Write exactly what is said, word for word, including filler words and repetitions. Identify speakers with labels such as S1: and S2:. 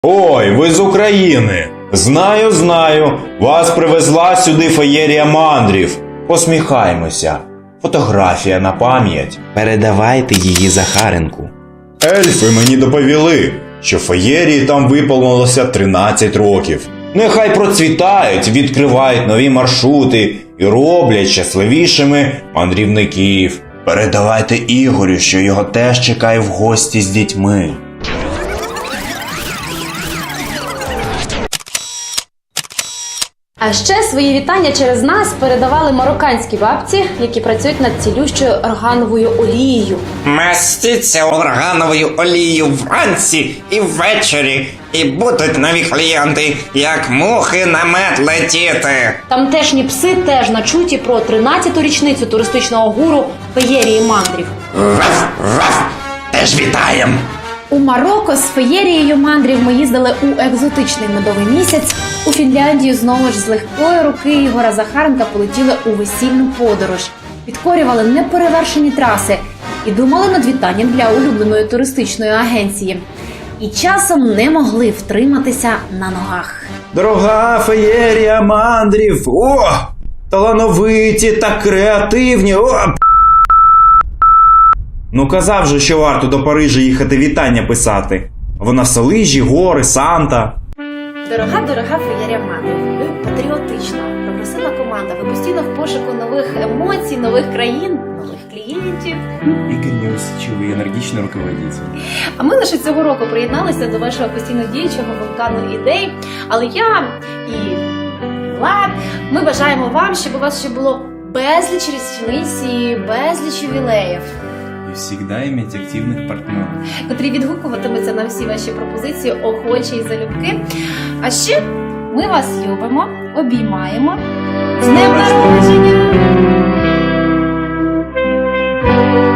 S1: Ой, ви з України! Знаю, знаю, вас привезла сюди феєрія мандрів. Посміхаймося. Фотографія на пам'ять. Передавайте її Захаренку. Ельфи мені доповіли, що феєрії там виповнилося тринадцять років. Нехай процвітають, відкривають нові маршрути і роблять щасливішими мандрівників. Передавайте Ігорю, що його теж чекає в гості з дітьми.
S2: А ще свої вітання через нас передавали марокканські бабці, які працюють над цілющою органовою олією.
S3: Мастіться органовою олією вранці і ввечері, і будуть нові клієнти, як мухи на мед летіти.
S2: Тамтешні пси теж начуті про тринадцяту річницю туристичного гуру феєрії мандрів.
S3: Ваф, ваф, теж вітаєм!
S2: У Марокко з феєрією мандрів ми їздили у екзотичний медовий місяць. У Фінляндію знову ж з легкої руки Ігора Захаренка полетіли у весільну подорож. Підкорювали неперевершені траси і думали над вітанням для улюбленої туристичної агенції. І часом не могли втриматися на ногах.
S1: Дорога феєрія мандрів! О! Талановиті та креативні! О! Ну казав же, що варто до Парижа їхати вітання писати. Вона Салижі, гори, Санта.
S2: Дорога-дорога феєрія мандрів. Ви патріотична, прогресивна команда. Ви постійно в пошуку нових емоцій, нових країн, нових клієнтів.
S4: Игорь неусидчивый и энергичный руководитель.
S2: А ми лише цього року приєдналися до вашого постійно діючого вулкану ідей. Але я і Влад, ми бажаємо вам, щоб у вас ще було безліч річниць і безліч ювілеїв,
S4: И всегда иметь активных партнеров.
S2: котрі відгукуватимуться на всі ваші пропозиції охочі і залюбки. А ще ми вас любимо, обіймаємо. З днем народження!